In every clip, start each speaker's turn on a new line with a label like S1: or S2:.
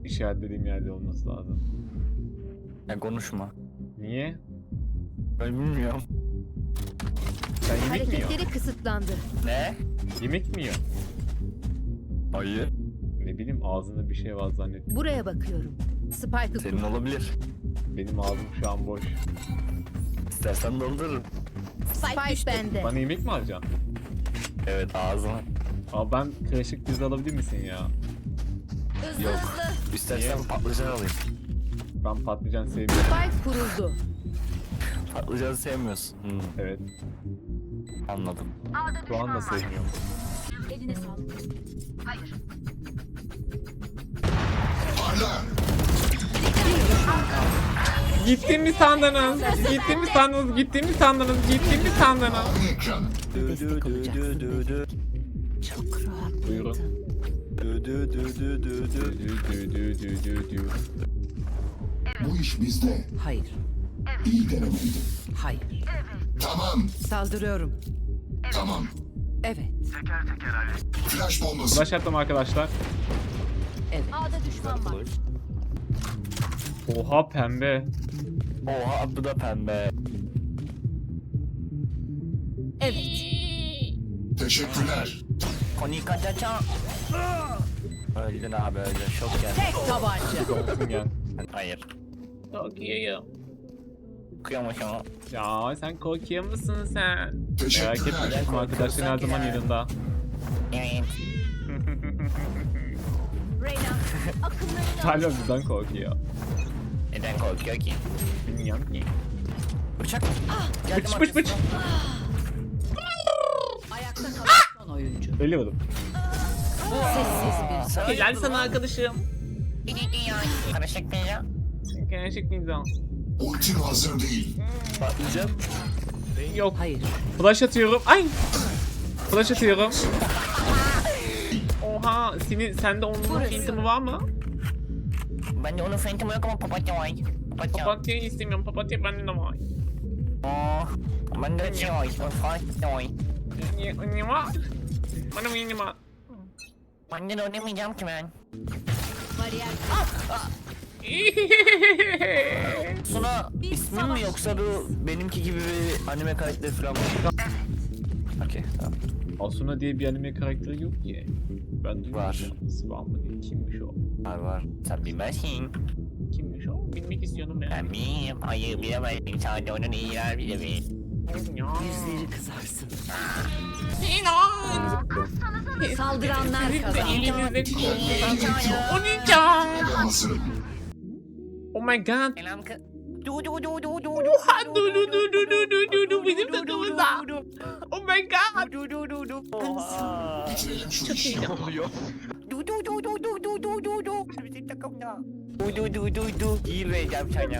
S1: işaretlediğim yerde olması lazım.
S2: Ya konuşma.
S1: Niye?
S2: Ben bilmiyorum.
S1: Sen yemek mi yiyorsun?
S3: Hareketleri kısıtlandı.
S2: Ne?
S1: Yemek mi yiyorsun?
S2: Hayır.
S1: Ne bileyim ağzında bir şey var zannettim.
S3: Buraya bakıyorum. Spike'ı
S2: Senin olabilir.
S1: Benim ağzım şu an boş.
S2: İstersen doldururum.
S3: Spike bende.
S1: Bana yemek mi alacaksın?
S2: Evet ağzına.
S1: Abi ben karışık pizza alabilir misin ya?
S2: Yok. İstersen
S1: Niye?
S2: patlıcan alayım.
S1: Ben patlıcan sevmiyorum.
S3: Spike kuruldu.
S2: Patlıcan sevmiyorsun.
S1: Evet.
S2: Anladım.
S1: Şu anda sevmiyorum.
S3: Eline sağlık.
S1: Gittin mi sandınız? Gittin mi sandınız? Gittin mi sandınız? Gittin mi sandınız?
S3: Destek olacaksın. Çok rahat.
S1: Buyurun.
S4: Bu iş bizde.
S5: Hayır.
S4: İyi denemeydi.
S5: Hayır.
S4: Tamam,
S5: Saldırıyorum.
S4: tamam.
S5: Evet.
S4: Flash bombası.
S1: Flash attım arkadaşlar.
S5: Evet.
S3: A'da düşman var.
S1: Oha pembe.
S2: Oha bu da pembe.
S3: Evet.
S4: Teşekkürler.
S2: Konika çaça. Öldün abi öldün. Şok geldi.
S5: Tek tabanca.
S1: Olsun gel.
S2: Hayır.
S1: Tokyo.
S2: Kıyamış ama.
S1: Ya sen Tokyo musun sen? Merak
S4: Teşekkürler.
S1: etme arkadaşların her zaman yanında.
S2: Evet.
S3: Reyna. Akıllarını
S1: Talha bizden korkuyor.
S2: Neden korkuyor ki?
S1: Bilmiyorum ki.
S2: Bıçak.
S1: Bıç bıç bıç.
S5: Ayakta kalan son oyuncu.
S1: Ölüyorum.
S5: Sessiz bir
S1: Helal sana arkadaşım.
S2: Karışık bir ya.
S1: Gerçek miydi?
S4: Ultim hazır değil.
S2: Patlayacağım.
S1: Yok.
S5: Hayır.
S1: Flash atıyorum. Ay. Flash atıyorum. Oha, sende onun phantom'ı var mı?
S2: Ben de onun phantom'ı yok ama papatya var. Papatya.
S1: Papatya'yı istemiyorum. Papatya bende de var.
S2: Oh. Ben de şey var. Papatya var.
S1: Ne var? Bana mı yeni var?
S2: Ben de oynamayacağım ki ben.
S3: bariyer.
S2: Suna ismin mi yoksa bu benimki gibi bir anime karakteri falan mı? Okey tamam.
S1: Asuna diye bir anime karakteri yok ki. Ben duymadım.
S2: Var.
S1: Nasıl var mı diye. Kimmiş o?
S2: Var. Sen bilmezsin.
S1: Kimmiş o? Bilmek istiyorum ben.
S2: Ben bilmiyorum. Hayır bilemezsin. Sadece onun iyiler bilir.
S1: Ya.
S5: yüzleri kızarsın.
S3: Saldıranlar kazandı.
S1: Elinizde korkudan. O ne can?
S4: Hazırım.
S1: Oh my god.
S2: Selam kız.
S1: Oha du bizim takımımızda. Oh my god.
S4: Bitirelim şu
S1: Çok
S4: işi.
S1: iyi.
S2: Bizim takımda. İyi vereceğim sana.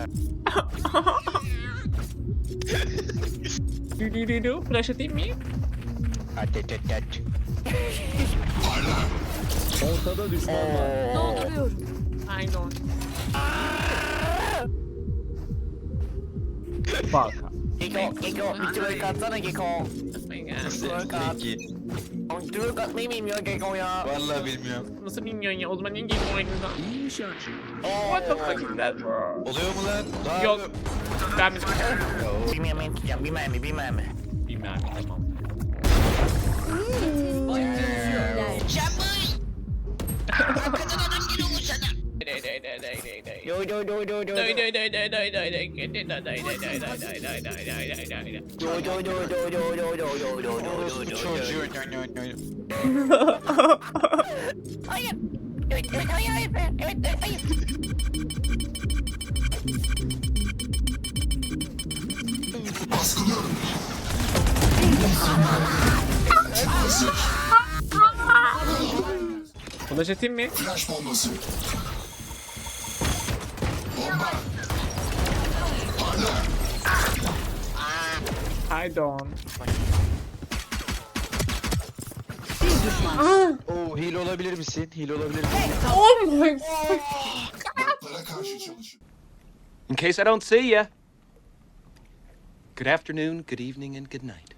S1: Flash atayım mı?
S2: At.
S6: Ortada düşman var.
S3: Dolduruyorum.
S1: I don't. Bak.
S2: Geko, bir twerk atsana Geko.
S1: Oh my god.
S2: Twerk at. Twerk atmayı bilmiyor Geko ya.
S6: Vallahi bilmiyorum.
S1: Nasıl bilmiyorsun ya? O zaman niye game oynadın?
S6: İyiymiş şarkı.
S1: What the fuck is that bro?
S6: Oluyor mu lan? Daha
S1: Yok. Ben mi?
S2: Bilmiyorum tutacağım. Bir mermi.
S1: Bilmem tamam.
S2: Yo. Hayır. Hayır.
S4: Baskılıyorum. Hazır.
S1: Flash atayım mı?
S4: Flash bombası. Bomba.
S1: I don't.
S5: Bir düşman.
S6: Oo, hile olabilir misin? Hile olabilir misin?
S1: Oh my god.
S4: Botlara karşı çalışın.
S7: In case I don't see ya. Good afternoon, good evening, and good night.